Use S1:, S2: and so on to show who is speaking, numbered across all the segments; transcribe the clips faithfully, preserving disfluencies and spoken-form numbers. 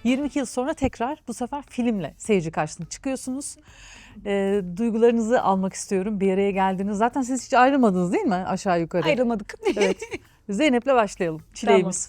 S1: yirmi iki yıl sonra tekrar bu sefer filmle seyirci karşısına çıkıyorsunuz. E, duygularınızı almak istiyorum. Bir araya geldiniz. Zaten siz hiç ayrılmadınız değil mi aşağı yukarı?
S2: Ayrılmadık.
S1: Evet. Zeynep'le başlayalım. Çileğimiz.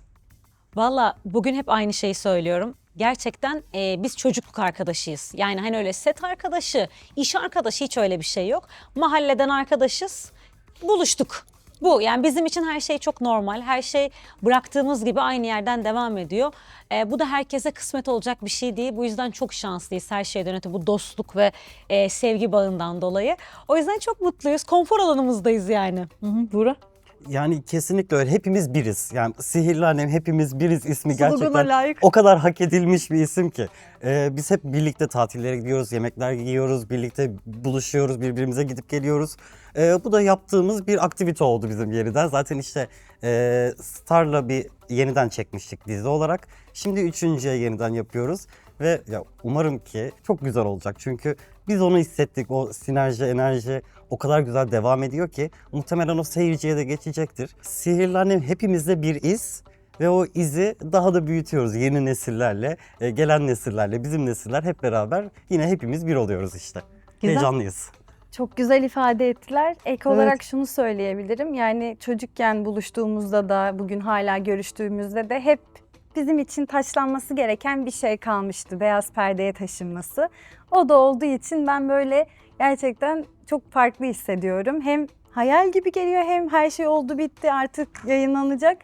S2: Valla bugün hep aynı şeyi söylüyorum. Gerçekten e, biz çocukluk arkadaşıyız. Yani hani öyle set arkadaşı, iş arkadaşı hiç öyle bir şey yok. Mahalleden arkadaşız, buluştuk. Bu yani bizim için her şey çok normal. Her şey bıraktığımız gibi aynı yerden devam ediyor. E, bu da herkese kısmet olacak bir şey değil. Bu yüzden çok şanslıyız her şeyden öte bu dostluk ve e, sevgi bağından dolayı. O yüzden çok mutluyuz. Konfor alanımızdayız yani.
S1: Hı hı, Buğra.
S3: Yani kesinlikle öyle. Hepimiz biriz. Yani Sihirli Annem Hepimiz Biriz ismi
S1: Slogana
S3: gerçekten
S1: layık.
S3: o kadar hak edilmiş bir isim ki. Ee, biz hep birlikte tatillere gidiyoruz, yemekler yiyoruz, birlikte buluşuyoruz, birbirimize gidip geliyoruz. Ee, bu da yaptığımız bir aktivite oldu bizim yeniden. Zaten işte e, Star'la bir yeniden çekmiştik dizi olarak. Şimdi üçüncüye yeniden yapıyoruz. Ve ya umarım ki çok güzel olacak. Çünkü biz onu hissettik. O sinerji, enerji o kadar güzel devam ediyor ki muhtemelen o seyirciye de geçecektir. Sihirli Annem hepimizde bir iz ve o izi daha da büyütüyoruz yeni nesillerle, e, gelen nesillerle, bizim nesiller hep beraber yine hepimiz bir oluyoruz işte.
S1: Güzel.
S3: Heyecanlıyız.
S4: Çok güzel ifade ettiler. Ek
S1: Evet.
S4: olarak şunu söyleyebilirim. Yani çocukken buluştuğumuzda da bugün hala görüştüğümüzde de hep bizim için taçlanması gereken bir şey kalmıştı. Beyaz perdeye taşınması. O da olduğu için ben böyle gerçekten çok farklı hissediyorum. Hem hayal gibi geliyor hem her şey oldu bitti artık yayınlanacak.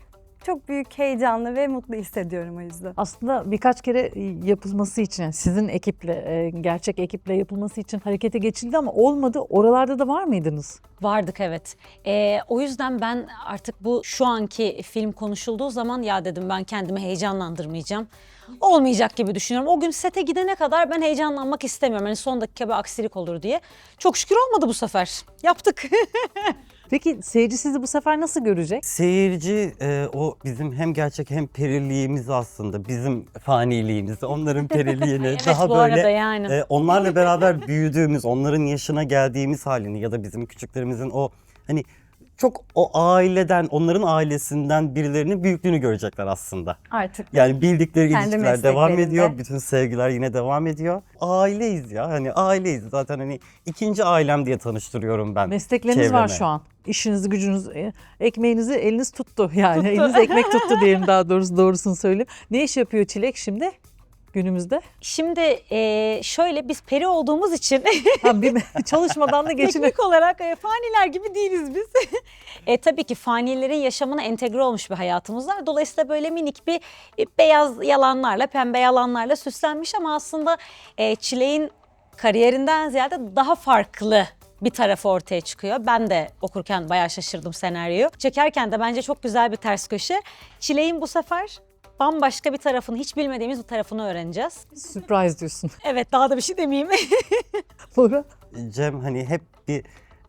S4: Çok büyük heyecanlı ve mutlu hissediyorum o yüzden.
S1: Aslında birkaç kere yapılması için, yani sizin ekiple, e, gerçek ekiple yapılması için harekete geçildi ama olmadı. Oralarda da var mıydınız?
S2: Vardık evet. Ee, o yüzden ben artık bu şu anki film konuşulduğu zaman ya dedim ben kendimi heyecanlandırmayacağım. Olmayacak gibi düşünüyorum. O gün sete gidene kadar ben heyecanlanmak istemiyorum. Hani son dakika bir aksilik olur diye. Çok şükür olmadı bu sefer. Yaptık.
S1: Peki seyirci sizi bu sefer nasıl görecek?
S3: Seyirci e, o bizim hem gerçek hem periliğimiz aslında. Bizim faniliğimiz, onların periliğini
S2: Evet,
S3: daha
S2: bu
S3: böyle
S2: arada yani.
S3: e, onlarla beraber büyüdüğümüz, onların yaşına geldiğimiz halini ya da bizim küçüklerimizin o hani çok o aileden, onların ailesinden birilerinin büyüklüğünü görecekler aslında.
S4: Artık
S3: Yani bildikleri
S4: Kendi
S3: ilişkiler devam
S4: mesleklerinde.
S3: ediyor. Bütün sevgiler yine devam ediyor. Aileyiz ya. Hani aileyiz. Zaten hani ikinci ailem diye tanıştırıyorum ben.
S1: Meslekleriniz var
S3: çevreme.
S1: şu an. İşinizi, gücünüz, e, ekmeğinizi eliniz tuttu yani. Eliniz ekmek tuttu diyelim daha doğrusu doğrusunu söyleyeyim. Ne iş yapıyor Çilek şimdi günümüzde?
S2: Şimdi e, şöyle biz peri olduğumuz için
S1: Ha, bir, çalışmadan da geçinip
S2: teknik olarak e, faniler gibi değiliz biz. e, tabii ki fanilerin yaşamına entegre olmuş bir hayatımız var. Dolayısıyla böyle minik bir e, beyaz yalanlarla, pembe yalanlarla süslenmiş ama aslında e, Çilek'in kariyerinden ziyade daha farklı bir tarafı ortaya çıkıyor. Ben de okurken bayağı şaşırdım senaryoyu. Çekerken de bence çok güzel bir ters köşe. Çilek'in bu sefer bambaşka bir tarafını, hiç bilmediğimiz bir tarafını öğreneceğiz.
S1: surprise diyorsun.
S2: Evet, daha da bir şey demeyeyim.
S1: Buğra?
S3: Cem hani hep bir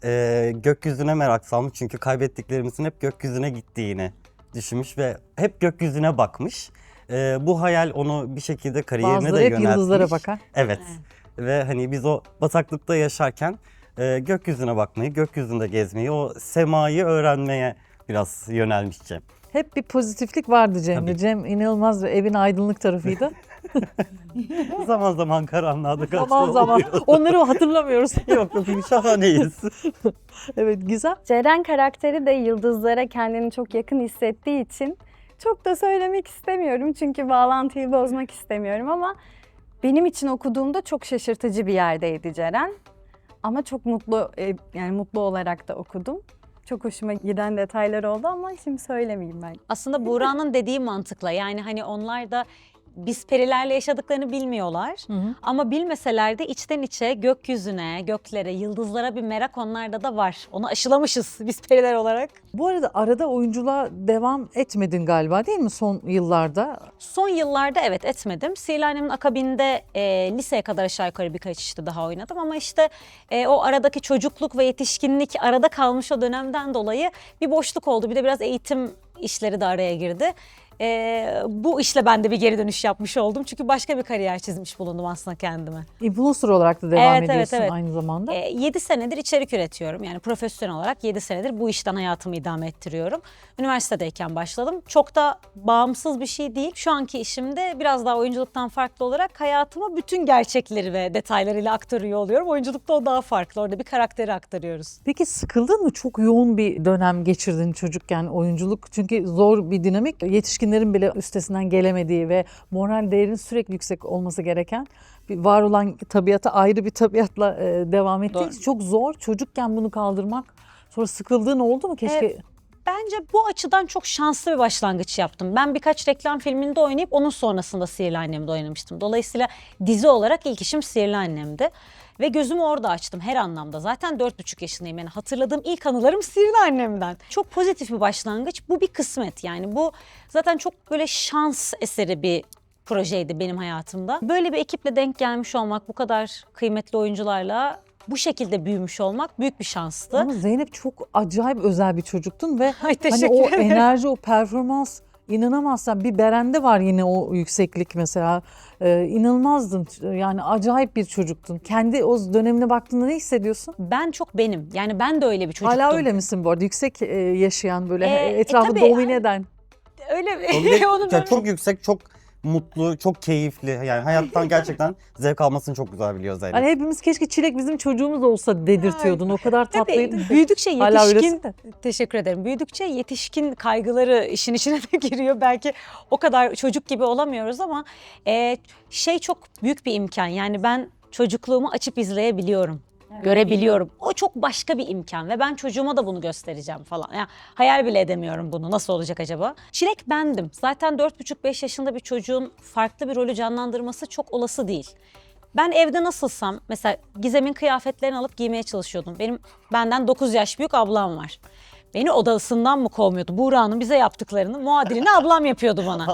S3: e, gökyüzüne merak salmış. Çünkü kaybettiklerimizin hep gökyüzüne gittiğini düşünmüş ve hep gökyüzüne bakmış. E, bu hayal onu bir şekilde kariyerine
S1: Bazıları
S3: de
S1: hep
S3: yöneltmiş.
S1: yıldızlara bakar.
S3: Evet. Ve hani biz o bataklıkta yaşarken e, gökyüzüne bakmayı, gökyüzünde gezmeyi, o semayı öğrenmeye biraz yönelmiş Cem.
S1: Hep bir pozitiflik vardı Cem'de.
S3: Tabii.
S1: Cem inanılmaz ve evin aydınlık tarafıydı.
S3: Zaman zaman karanlığa da kaçtı
S1: zaman zaman.
S3: oluyor.
S1: Onları hatırlamıyoruz.
S3: Yok yok şahaneyiz.
S1: Evet, Gizem.
S4: Ceren karakteri de yıldızlara kendini çok yakın hissettiği için çok da söylemek istemiyorum. Çünkü bağlantıyı bozmak istemiyorum ama benim için okuduğumda çok şaşırtıcı bir yerdeydi Ceren. Ama çok mutlu, e, yani mutlu olarak da okudum. Çok hoşuma giden detaylar oldu ama şimdi söylemeyeyim ben.
S2: Aslında Buğra'nın dediği mantıkla yani hani onlar da biz perilerle yaşadıklarını bilmiyorlar.
S1: Hı hı.
S2: Ama bilmeseler de içten içe gökyüzüne, göklere, yıldızlara bir merak onlarda da var. Onu aşılamışız biz periler olarak.
S1: Bu arada arada oyunculuğa devam etmedin galiba değil mi son yıllarda?
S2: Son yıllarda evet etmedim. Sihirli Annem'in akabinde e, liseye kadar aşağı yukarı birkaç işte daha oynadım. Ama işte e, o aradaki çocukluk ve yetişkinlik arada kalmış o dönemden dolayı bir boşluk oldu. Bir de biraz eğitim işleri de araya girdi. Ee, bu işle ben de bir geri dönüş yapmış oldum. Çünkü başka bir kariyer çizmiş bulundum aslında kendime.
S1: Influencer olarak da devam
S2: Evet, evet,
S1: ediyorsun
S2: evet.
S1: aynı zamanda.
S2: Ee, yedi senedir içerik üretiyorum. Yani profesyonel olarak yedi senedir bu işten hayatımı idame ettiriyorum. Üniversitedeyken başladım. Çok da bağımsız bir şey değil. Şu anki işimde biraz daha oyunculuktan farklı olarak hayatıma bütün gerçekleri ve detaylarıyla aktarıyor oluyorum. Oyunculukta o daha farklı. Orada bir karakteri aktarıyoruz.
S1: Peki sıkıldın mı? Çok yoğun bir dönem geçirdin çocukken oyunculuk. Çünkü zor bir dinamik. Yetişkinlerin bile üstesinden gelemediği ve moral değerinin sürekli yüksek olması gereken bir var olan tabiata ayrı bir tabiatla e, devam ettiği
S2: Doğru.
S1: için çok zor. Çocukken bunu kaldırmak. Sonra sıkıldığın oldu mu? Keşke
S2: Evet. Bence bu açıdan çok şanslı bir başlangıç yaptım. Ben birkaç reklam filminde oynayıp onun sonrasında Sihirli Annem'de oynamıştım. Dolayısıyla dizi olarak ilk işim Sihirli Annem'di. Ve gözümü orada açtım her anlamda. Zaten dört buçuk yaşındayım. Yani hatırladığım ilk anılarım Sihirli Annem'den. Çok pozitif bir başlangıç. Bu bir kısmet yani. Bu zaten çok böyle şans eseri bir projeydi benim hayatımda. Böyle bir ekiple denk gelmiş olmak, bu kadar kıymetli oyuncularla bu şekilde büyümüş olmak büyük bir şanstı.
S1: ama Zeynep çok acayip özel bir çocuktun ve
S2: Ay
S1: hani
S2: teşekkür
S1: o
S2: ederim.
S1: enerji, o performans inanamazsan bir Beren'de var yine o yükseklik mesela. Ee, inanılmazdın. Yani acayip bir çocuktun. Kendi o dönemine baktığında ne hissediyorsun?
S2: Ben çok benim. Yani ben de öyle bir çocuktum.
S1: Hala öyle misin bu arada? Yüksek e, yaşayan böyle
S2: E, e,
S1: etrafı
S2: tabii.
S1: domine eden.
S2: Öyle mi?
S3: Onu
S2: Onu
S3: ya
S2: ben-
S3: çok yüksek, çok mutlu, çok keyifli. Yani hayattan gerçekten zevk almasını çok güzel biliyor Zeynep.
S1: Hani hepimiz keşke Çilek bizim çocuğumuz olsa dedirtiyordun. O kadar tatlıydın.
S2: Tabii
S1: ki.
S2: büyüdükçe
S1: Hala öylesin
S2: yetişkin,
S1: de.
S2: teşekkür ederim. Büyüdükçe yetişkin kaygıları işin içine de giriyor. Belki o kadar çocuk gibi olamıyoruz ama e, şey çok büyük bir imkan. Yani ben çocukluğumu açıp izleyebiliyorum. Görebiliyorum. O çok başka bir imkan ve ben çocuğuma da bunu göstereceğim falan. Yani hayal bile edemiyorum bunu. Nasıl olacak acaba? Çilek bendim. Zaten dört buçuk beş yaşında bir çocuğun farklı bir rolü canlandırması çok olası değil. Ben evde nasılsam mesela Gizem'in kıyafetlerini alıp giymeye çalışıyordum. Benim benden dokuz yaş büyük ablam var. Beni odasından mı kovmuyordu? Buğra'nın bize yaptıklarını muadilini ablam yapıyordu bana.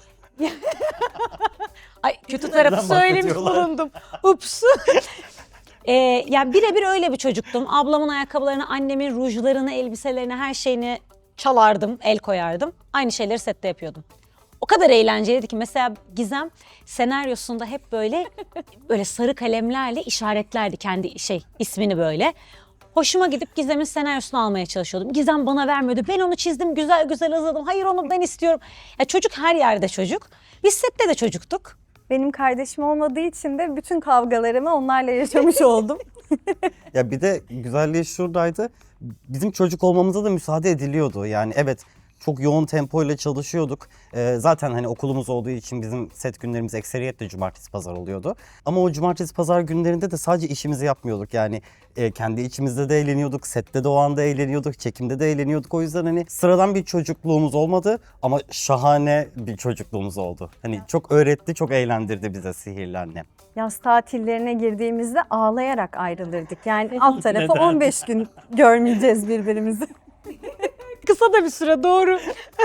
S2: Ay kötü tarafı
S3: Neden
S2: söylemiş
S3: bahsediyorlar?
S2: bulundum. Ups. Ee, yani birebir öyle bir çocuktum. Ablamın ayakkabılarını, annemin rujlarını, elbiselerini, her şeyini çalardım, el koyardım. Aynı şeyleri sette yapıyordum. O kadar eğlenceliydi ki mesela Gizem senaryosunda hep böyle böyle sarı kalemlerle işaretlerdi kendi şey ismini böyle. Hoşuma gidip Gizem'in senaryosunu almaya çalışıyordum. Gizem bana vermiyordu. Ben onu çizdim, güzel güzel hazırladım. Hayır onu ben istiyorum. Ya çocuk her yerde çocuk. Biz sette de çocuktuk.
S4: Benim kardeşim olmadığı için de bütün kavgalarımı onlarla yaşamış oldum.
S3: Ya bir de güzelliği şuradaydı. Bizim çocuk olmamıza da müsaade ediliyordu. Yani evet çok yoğun tempoyla çalışıyorduk. Ee, zaten hani okulumuz olduğu için bizim set günlerimiz ekseriyetle cumartesi pazar oluyordu. Ama o cumartesi pazar günlerinde de sadece işimizi yapmıyorduk. Yani e, kendi içimizde de eğleniyorduk, sette de o anda eğleniyorduk, çekimde de eğleniyorduk. O yüzden hani sıradan bir çocukluğumuz olmadı ama şahane bir çocukluğumuz oldu. Hani çok öğretti, çok eğlendirdi bize Sihirli Annem.
S4: Yaz tatillerine girdiğimizde ağlayarak ayrılırdık. Yani alt tarafı on beş gün görmeyeceğiz birbirimizi.
S2: Kısa da bir süre doğru.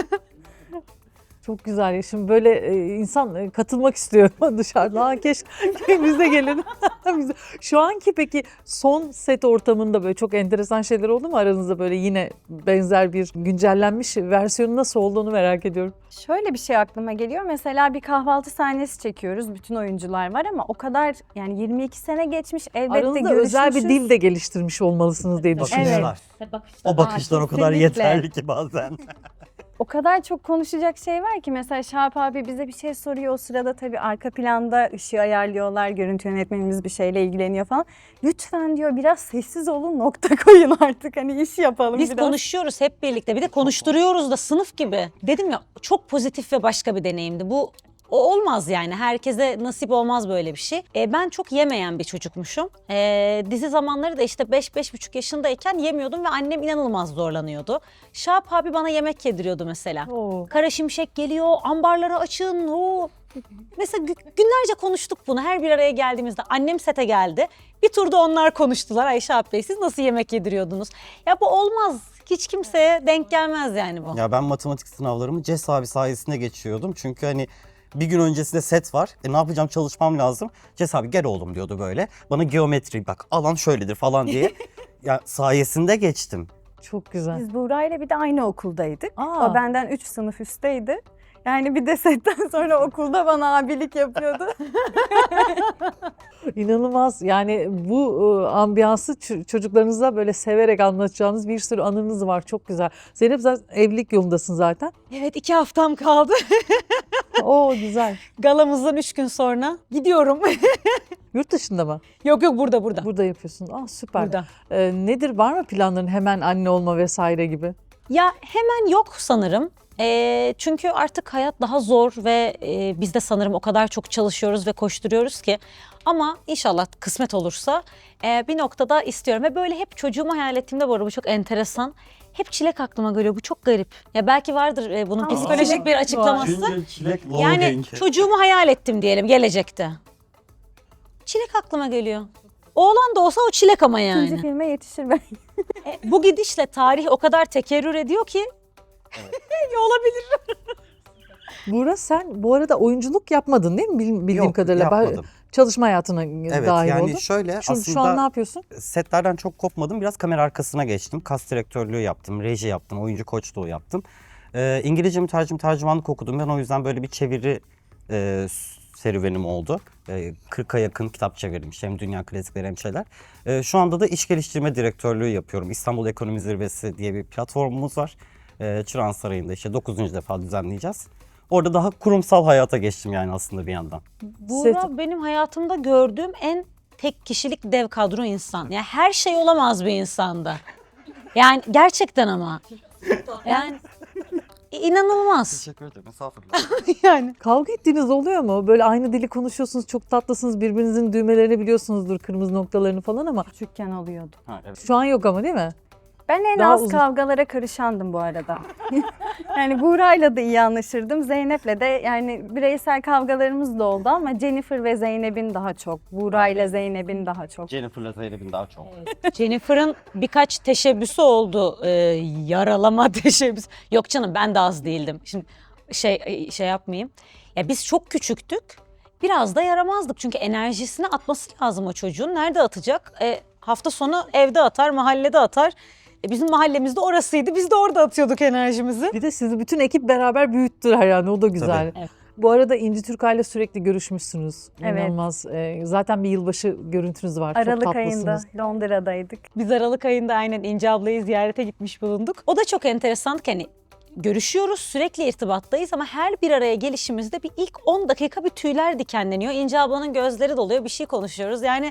S1: Çok güzel ya. Şimdi böyle e, insan e, katılmak istiyor dışarıda. Ha, keşke biz de gelin. Biz de- Şu anki peki son set ortamında böyle çok enteresan şeyler oldu mu aranızda, böyle yine benzer bir güncellenmiş versiyonu nasıl olduğunu merak ediyorum.
S4: Şöyle bir şey aklıma geliyor. Mesela bir kahvaltı sahnesi çekiyoruz. Bütün oyuncular var ama o kadar yani yirmi iki sene geçmiş. Elbette
S1: Aranızda özel bir
S4: görüşmüşüz.
S1: dil de geliştirmiş olmalısınız diye düşünüyorum.
S3: Bakışlar. O bakışlar o kadar
S4: kesinlikle.
S3: yeterli ki bazen.
S4: O kadar çok konuşacak şey var ki mesela Şahap abi bize bir şey soruyor. O sırada tabii arka planda ışığı ayarlıyorlar. Görüntü yönetmenimiz bir şeyle ilgileniyor falan. Lütfen diyor biraz sessiz olun, nokta koyun artık hani iş yapalım
S2: Biz
S4: biraz.
S2: konuşuyoruz hep birlikte. Bir de konuşturuyoruz da sınıf gibi. Dedim ya çok pozitif ve başka bir deneyimdi. Bu o olmaz yani. Herkese nasip olmaz böyle bir şey. E, ben çok yemeyen bir çocukmuşum. E, dizi zamanları da işte beş beş buçuk yaşındayken yemiyordum ve annem inanılmaz zorlanıyordu. Şahap abi bana yemek yediriyordu mesela.
S1: Oo.
S2: Kara Şimşek geliyor, ambarları açın. Oo. Mesela gü- günlerce konuştuk bunu her bir araya geldiğimizde. Annem sete geldi. Bir turda onlar konuştular. Ayşe abi Bey siz nasıl yemek yediriyordunuz? Ya bu olmaz. Hiç kimseye denk gelmez yani bu.
S3: Ya ben matematik sınavlarımı Ces abi sayesinde geçiyordum. Çünkü hani bir gün öncesinde set var. E ne yapacağım, çalışmam lazım. Ces abi gel oğlum diyordu böyle. Bana geometri bak alan şöyledir falan diye. Ya sayesinde geçtim.
S1: Çok güzel.
S4: Biz Buğra ile bir de aynı okuldaydık.
S1: Aa.
S4: O benden üç sınıf üstteydi. Yani bir de setten sonra okulda bana abilik yapıyordu.
S1: İnanılmaz. Yani bu e, ambiyansı ç- çocuklarınıza böyle severek anlatacağınız bir sürü anınız var. Çok güzel. Zeynep zaten evlilik yolundasın zaten.
S2: Evet, iki haftam kaldı.
S1: Oo güzel.
S2: Galamızdan üç gün sonra gidiyorum.
S1: Yurt dışında mı?
S2: Yok yok, burada burada.
S1: Burada yapıyorsun. Aa süper.
S2: Burada.
S1: Ee, nedir, var mı planların, hemen anne olma vesaire gibi?
S2: Ya hemen yok sanırım. Eee, çünkü artık hayat daha zor ve e, biz de sanırım o kadar çok çalışıyoruz ve koşturuyoruz ki. Ama inşallah kısmet olursa e, bir noktada istiyorum. Ve böyle hep çocuğumu hayal ettiğimde, bu arada bu çok enteresan. Hep çilek aklıma geliyor. Bu çok garip. Ya belki vardır e, bunun
S4: Aa,
S2: psikolojik
S1: çilek
S2: bir
S1: var.
S2: açıklaması.
S3: çilek
S2: Yani çocuğumu hayal ettim diyelim gelecekte. Çilek aklıma geliyor. Oğlan da olsa o çilek ama yani.
S4: İkinci filme yetişir belki.
S2: E, bu gidişle tarih o kadar tekerrür ediyor ki. Olabilir.
S1: Buğra, sen bu arada oyunculuk yapmadın değil mi? Bil- Bildiğim
S3: Yok,
S1: kadarıyla. Ba-
S3: yapmadım.
S1: Çalışma hayatına
S3: Evet
S1: dahil
S3: yani
S1: oldun.
S3: şöyle
S1: Şu,
S3: aslında
S1: şu an ne yapıyorsun?
S3: setlerden çok kopmadım. Biraz kamera arkasına geçtim. Kas direktörlüğü yaptım, reji yaptım, oyuncu koçluğu yaptım. Ee, İngilizce mütercim tercümanlık okudum. Ben o yüzden böyle bir çeviri e, serüvenim oldu. E, kırka yakın kitap çevirmişim. Hem dünya klasikleri hem şeyler. E, şu anda da iş geliştirme direktörlüğü yapıyorum. İstanbul Ekonomi Zirvesi diye bir platformumuz var. E, Çırağan Sarayı'nda işte dokuzuncu defa düzenleyeceğiz. Orada daha kurumsal hayata geçtim yani aslında bir yandan.
S2: Buğra
S1: Set-
S2: benim hayatımda gördüğüm en tek kişilik dev kadro insan. Yani her şey olamaz bir insanda. Yani gerçekten ama. Yani inanılmaz.
S3: Teşekkür ederim. Estağfurullah.
S2: Yani.
S1: Kavga ettiğiniz oluyor mu? Böyle aynı dili konuşuyorsunuz, çok tatlısınız, birbirinizin düğmelerini biliyorsunuzdur, kırmızı noktalarını falan ama
S4: Küçükken oluyordu.
S3: Ha, evet.
S1: şu an yok ama değil mi?
S4: Ben en
S1: Daha
S4: az
S1: uzun-
S4: kavgalara karışandım bu arada. Yani Buğra'yla da iyi anlaşırdım. Zeynep'le de yani bireysel kavgalarımız da oldu ama Jennifer ve Zeynep'in daha çok. Buğra'yla Zeynep'in daha çok.
S3: Jennifer'la Zeynep'in daha çok.
S2: Jennifer'ın birkaç teşebbüsü oldu. Ee, yaralama teşebbüsü. Yok canım, ben de az değildim. Şimdi şey şey yapmayayım. Ya biz çok küçüktük. Biraz da yaramazdık. Çünkü enerjisini atması lazım o çocuğun. Nerede atacak? E, hafta sonu evde atar, mahallede atar. E, bizim mahallemizde orasıydı. Biz de orada atıyorduk enerjimizi.
S1: Bir de sizi bütün ekip beraber büyüttüler yani, o da güzel.
S3: Tabii.
S2: Evet.
S1: Bu arada İnci Türkay'la sürekli görüşmüşsünüz.
S4: Evet.
S1: İnanılmaz. Ee, zaten bir yılbaşı görüntünüz var. Çok
S4: Aralık
S1: tatlısınız.
S4: ayında Londra'daydık.
S2: Biz Aralık ayında aynen İnce ablayı ziyarete gitmiş bulunduk. O da çok enteresan ki hani görüşüyoruz, sürekli irtibattayız ama her bir araya gelişimizde bir ilk on dakika bir tüyler dikenleniyor. İnce ablanın gözleri doluyor, bir şey konuşuyoruz. Yani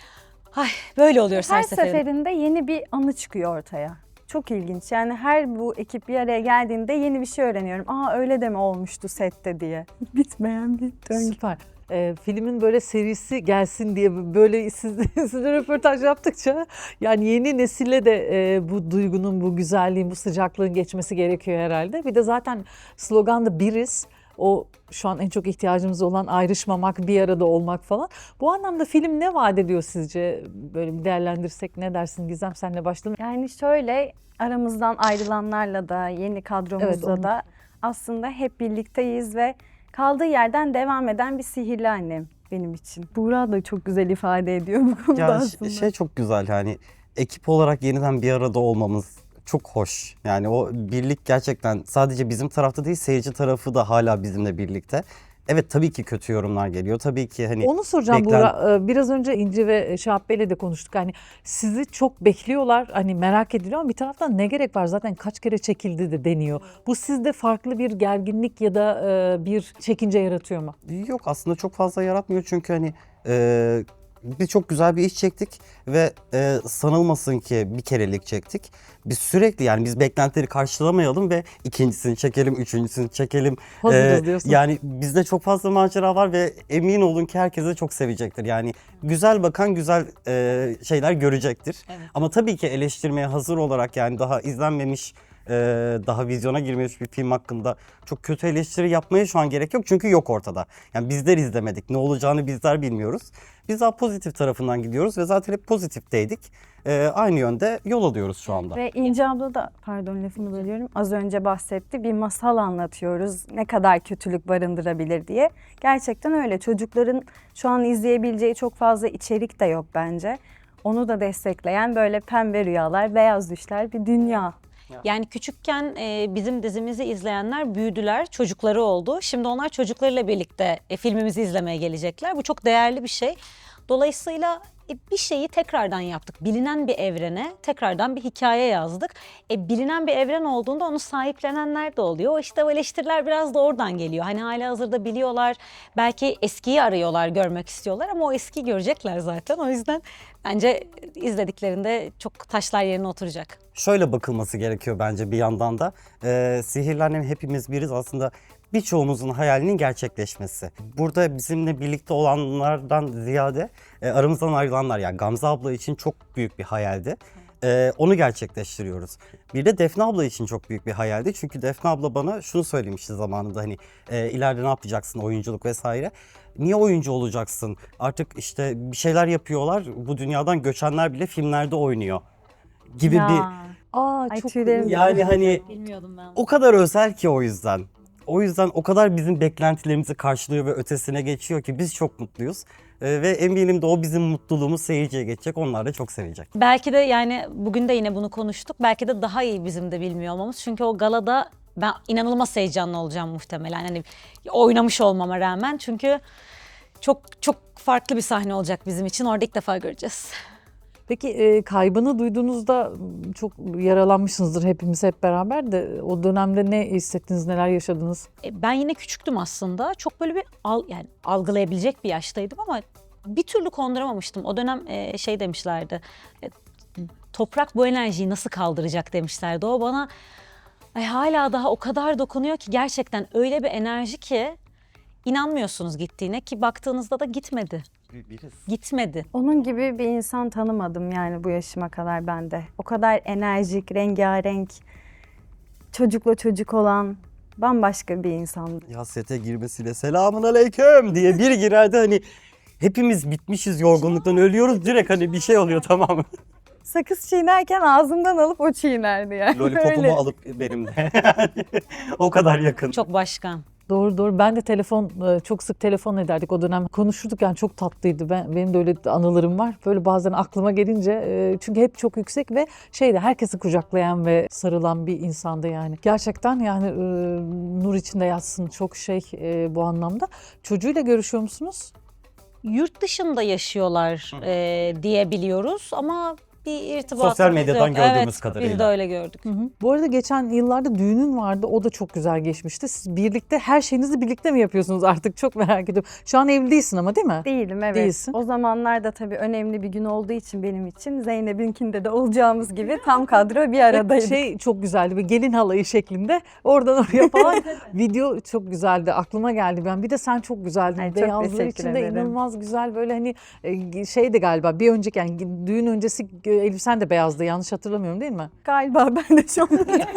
S2: ay böyle oluyoruz her,
S4: Her
S2: seferinde.
S4: seferinde yeni bir anı çıkıyor ortaya. Çok ilginç. Yani her bu ekip bir araya geldiğinde yeni bir şey öğreniyorum. Aa öyle de mi olmuştu sette diye. Bitmeyen bir döngü.
S1: Süper. Ee, filmin böyle serisi gelsin diye böyle siz, sizle röportaj yaptıkça yani yeni nesille de e, bu duygunun, bu güzelliğin, bu sıcaklığın geçmesi gerekiyor herhalde. Bir de zaten slogan da biriz. O şu an en çok ihtiyacımız olan ayrışmamak, bir arada olmak falan. Bu anlamda film ne vaat ediyor sizce? Böyle bir değerlendirsek ne dersin Gizem? Senle başlayalım.
S4: Yani şöyle aramızdan ayrılanlarla da yeni kadromuzla
S1: Evet, onu-
S4: da aslında hep birlikteyiz ve kaldığı yerden devam eden bir sihirli annem benim için. Buğra da çok güzel ifade ediyor bu konuda
S3: Ya ş-
S4: aslında.
S3: şey çok güzel yani ekip olarak yeniden bir arada olmamız çok hoş. Yani o birlik gerçekten sadece bizim tarafta değil, seyirci tarafı da hala bizimle birlikte. Evet tabii ki kötü yorumlar geliyor. Tabii ki hani
S1: Onu soracağım
S3: beklen-
S1: Buğra. Ee, Biraz önce İnci ve Şahap Bey'le de konuştuk. Hani sizi çok bekliyorlar, hani merak ediliyor ama bir taraftan ne gerek var? Zaten kaç kere çekildi de deniyor. Bu sizde farklı bir gerginlik ya da e, bir çekince yaratıyor mu?
S3: Yok aslında çok fazla yaratmıyor çünkü hani e, biz çok güzel bir iş çektik ve e, sanılmasın ki bir kerelik çektik. Biz sürekli yani biz beklentileri karşılamayalım ve ikincisini çekelim, üçüncüsünü çekelim.
S1: Hazırız
S3: E,
S1: diyorsun.
S3: Yani bizde çok fazla macera var ve emin olun ki herkes de çok sevecektir. Yani güzel bakan güzel e, şeyler görecektir.
S2: Evet.
S3: Ama tabii ki eleştirmeye hazır olarak yani daha izlenmemiş, e, daha vizyona girmemiş bir film hakkında çok kötü eleştiri yapmaya şu an gerek yok. Çünkü yok ortada. Yani bizler izlemedik. Ne olacağını bizler bilmiyoruz. Biz daha pozitif tarafından gidiyoruz ve zaten hep pozitifteydik. E, aynı yönde yol alıyoruz şu anda.
S4: Ve İnce abla da, pardon lafını bölüyorum, az önce bahsetti. Bir masal anlatıyoruz. Ne kadar kötülük barındırabilir diye. Gerçekten öyle. Çocukların şu an izleyebileceği çok fazla içerik de yok bence. Onu da destekleyen böyle pembe rüyalar, beyaz düşler bir dünya.
S2: Yani küçükken e, bizim dizimizi izleyenler büyüdüler, çocukları oldu. Şimdi onlar çocuklarıyla birlikte e, filmimizi izlemeye gelecekler. Bu çok değerli bir şey. Dolayısıyla e, bir şeyi tekrardan yaptık. Bilinen bir evrene tekrardan bir hikaye yazdık. E, bilinen bir evren olduğunda onu sahiplenenler de oluyor. İşte o eleştiriler biraz da oradan geliyor. Hani halihazırda biliyorlar, belki eskiyi arıyorlar, görmek istiyorlar ama o eskiyi görecekler zaten. O yüzden bence izlediklerinde çok taşlar yerine oturacak.
S3: Şöyle bakılması gerekiyor bence bir yandan da. Ee, Sihirli Annem Hepimiz Biriz aslında birçoğumuzun hayalinin gerçekleşmesi. Burada bizimle birlikte olanlardan ziyade e, aramızdan ayrılanlar, yani Gamze abla için çok büyük bir hayaldi. Ee, onu gerçekleştiriyoruz. Bir de Defne abla için çok büyük bir hayaldi. Çünkü Defne abla bana şunu söylemişti zamanında, hani e, ileride ne yapacaksın, oyunculuk vesaire. Niye oyuncu olacaksın? Artık işte bir şeyler yapıyorlar. Bu dünyadan göçenler bile filmlerde oynuyor gibi
S4: Ya.
S3: bir...
S1: Aa
S4: Ay,
S1: çok
S4: tüylerim
S3: Yani hani
S2: Bilmiyordum ben.
S3: o kadar özel ki o yüzden. O yüzden o kadar bizim beklentilerimizi karşılıyor ve ötesine geçiyor ki biz çok mutluyuz. Ee, ve eminim de o bizim mutluluğumuz seyirciye geçecek. Onlar da çok sevecek.
S2: Belki de yani bugün de yine bunu konuştuk. Belki de daha iyi bizim de bilmiyor olmamız. Çünkü o galada ben inanılmaz heyecanlı olacağım muhtemelen. Hani oynamış olmama rağmen. Çünkü çok çok farklı bir sahne olacak bizim için. Orada ilk defa göreceğiz.
S1: Peki e, kaybını duyduğunuzda m, çok yaralanmışsınızdır hepimiz hep beraber de o dönemde ne hissettiniz, neler yaşadınız?
S2: E, Ben yine küçüktüm aslında. Çok böyle bir al, yani algılayabilecek bir yaştaydım ama bir türlü konduramamıştım. O dönem e, şey demişlerdi. e, Toprak bu enerjiyi nasıl kaldıracak demişlerdi. O bana ay, hala daha o kadar dokunuyor ki, gerçekten öyle bir enerji ki inanmıyorsunuz gittiğine, ki baktığınızda da gitmedi. Gitmedi.
S4: Onun gibi bir insan tanımadım yani bu yaşıma kadar ben de. O kadar enerjik, rengarenk, çocukla çocuk olan bambaşka bir insandı.
S3: Ya sete girmesiyle selamun aleyküm diye bir girerdi, hani hepimiz bitmişiz, yorgunluktan ölüyoruz, direkt hani bir şey oluyor, tamam mı?
S4: Sakız çiğnerken ağzımdan alıp o çiğnerdi yani.
S3: Lollipopumu
S4: Öyle.
S3: alıp benim de. O kadar yakın.
S2: Çok başka.
S1: Doğru doğru. Ben de telefon e, çok sık telefon ederdik o dönem. Konuşurduk yani çok tatlıydı. Ben benim de öyle anılarım var. Böyle bazen aklıma gelince e, çünkü hep çok yüksek ve şeyde herkesi kucaklayan ve sarılan bir insandı yani. Gerçekten yani e, nur içinde yatsın, çok şey e, bu anlamda. Çocuğuyla görüşüyor musunuz?
S2: Yurt dışında yaşıyorlar e, diye biliyoruz ama bir irtibatımız
S3: Sosyal medyadan
S2: yok.
S3: gördüğümüz
S2: Evet, biz de
S3: kadarıyla.
S2: öyle gördük.
S1: Hı hı. Bu arada geçen yıllarda düğünün vardı. O da çok güzel geçmişti. Siz birlikte her şeyinizi birlikte mi yapıyorsunuz artık? Çok merak ediyorum. Şu an evli değilsin ama değil mi?
S4: Değilim, evet.
S1: Değilsin.
S4: O zamanlarda tabii önemli bir gün olduğu için benim için Zeynep'inkinde de olacağımız gibi tam kadro bir aradaydık.
S1: Şey çok güzeldi. Bir gelin halayı şeklinde oradan oraya falan video çok güzeldi. Aklıma geldi ben. Bir de sen çok güzeldin.
S4: Ay, çok
S1: Beyazlar
S4: teşekkür
S1: içinde
S4: ederim.
S1: inanılmaz güzel böyle hani e, şeydi galiba bir önceki yani düğün öncesi e, elbisen de beyazdı. Yanlış hatırlamıyorum değil mi?
S4: Galiba ben de şu an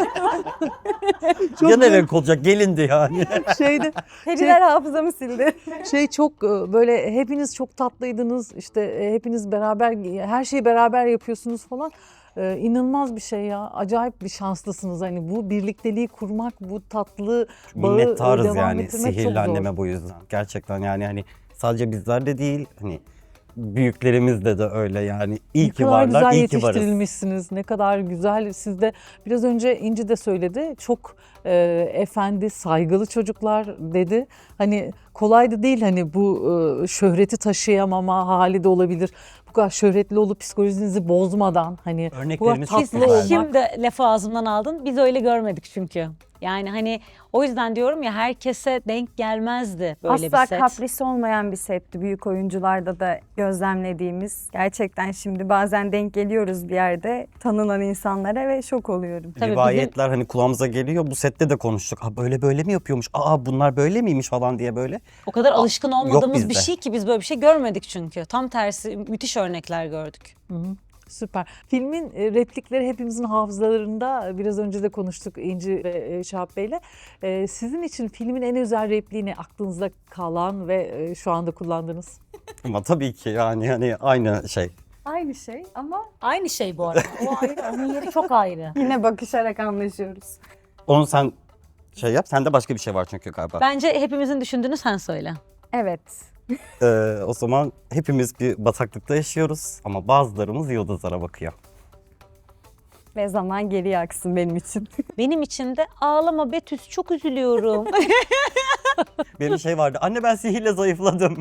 S3: Yan evek olacak, gelindi yani.
S1: Şeydi
S4: periler hafızamı sildi.
S1: şey çok e, böyle hepiniz çok tatlıydınız. İşte e, hepiniz beraber her şeyi beraber yapıyorsunuz falan. Ee, inanılmaz bir şey ya. Acayip bir şanslısınız. Hani bu birlikteliği kurmak, bu tatlı bağı e,
S3: Minnettarız
S1: devam
S3: yani
S1: ettirmek çok
S3: Sihirli
S1: zor.
S3: Anneme bu yüzden. Gerçekten yani hani sadece bizler de değil, hani büyüklerimiz de de öyle yani. İyi
S1: Ne
S3: ki
S1: kadar
S3: varlar,
S1: güzel
S3: iyi ki varız.
S1: yetiştirilmişsiniz. Ne kadar güzel. Siz de biraz önce İnci de söyledi. Çok e, efendi, saygılı çocuklar dedi. Hani kolay da değil hani bu e, şöhreti taşıyamama hali de olabilir. Bu kadar şöhretli olup psikolojinizi bozmadan hani bu kadar
S3: Örneklerimiz çok
S1: tatlı
S2: Biz
S3: güzel.
S1: olmak.
S2: şimdi lafı ağzımdan aldın. Biz öyle görmedik çünkü. Yani hani o yüzden diyorum ya, herkese denk gelmezdi böyle
S4: Asla
S2: bir set.
S4: kapris olmayan bir setti. Büyük oyuncularda da gözlemlediğimiz. Gerçekten şimdi bazen denk geliyoruz bir yerde tanınan insanlara ve şok oluyorum.
S2: Tabii
S3: Rivayetler hani kulağımıza geliyor. Bu sette de konuştuk. Ha böyle böyle mi yapıyormuş? Aa bunlar böyle miymiş falan diye böyle.
S2: O kadar alışkın olmadığımız bir
S3: bizde.
S2: şey ki biz böyle bir şey görmedik çünkü. Tam tersi müthiş örnekler gördük.
S1: Hı hı. Süper. Filmin e, replikleri hepimizin hafızalarında. Biraz önce de konuştuk İnci ve e, Şahap Bey'le. E, Sizin için filmin en özel repliğini aklınızda kalan ve e, şu anda kullandığınız?
S3: Ama tabii ki yani hani aynı şey.
S4: Aynı şey ama
S2: Aynı şey bu arada. O ayrı, onun yeri çok ayrı.
S4: yine bakışarak anlaşıyoruz.
S3: Onu sen şey yap. Sende başka bir şey var çünkü galiba.
S2: Bence hepimizin düşündüğünü sen söyle.
S4: Evet.
S3: Ee, o zaman hepimiz bir bataklıkta yaşıyoruz ama bazılarımız yıldızlara bakıyor.
S4: Ve zaman geriye aksın benim için.
S2: Benim için de ağlama Betüs, çok üzülüyorum.
S3: Benim şey vardı. Anne ben sihirle zayıfladım.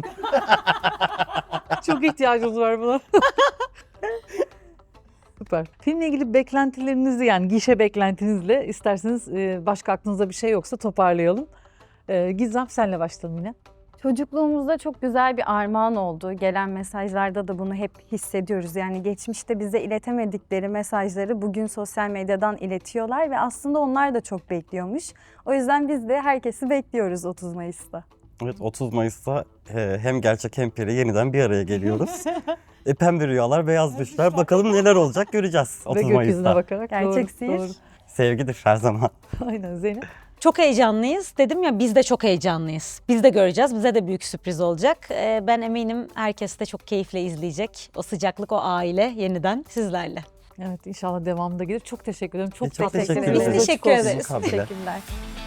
S1: Çok ihtiyacımız var buna. Süper. Filmle ilgili beklentilerinizi, yani gişe beklentinizle isterseniz e, başka aklınızda bir şey yoksa toparlayalım. E, Gizem, senle başlayalım yine.
S4: Çocukluğumuzda çok güzel bir armağan oldu. Gelen mesajlarda da bunu hep hissediyoruz. Yani geçmişte bize iletemedikleri mesajları bugün sosyal medyadan iletiyorlar ve aslında onlar da çok bekliyormuş. O yüzden biz de herkesi bekliyoruz otuz Mayıs'ta.
S3: Evet, otuz Mayıs'ta e, hem gerçek hem peri yeniden bir araya geliyoruz. e, pembe rüyalar, beyaz düşler. Bakalım neler olacak göreceğiz
S1: Ve
S3: otuz
S1: gökyüzüne
S3: Mayıs'ta.
S1: bakarak.
S4: Gerçek
S1: Doğru,
S4: sihir.
S1: doğru.
S3: Sevgidir her zaman.
S1: Aynen Zeynep.
S2: Çok heyecanlıyız. Dedim ya, biz de çok heyecanlıyız. Biz de göreceğiz. Bize de büyük sürpriz olacak. Ee, ben eminim herkes de çok keyifle izleyecek. O sıcaklık, o aile yeniden sizlerle.
S1: Evet, inşallah devamında gelir. Çok teşekkür ederim. Çok,
S3: Çok
S1: tatlı.
S3: teşekkür
S4: ederiz.
S2: Biz teşekkür
S1: Açık olsun.
S2: ederiz.
S3: Kabile.
S4: Teşekkürler.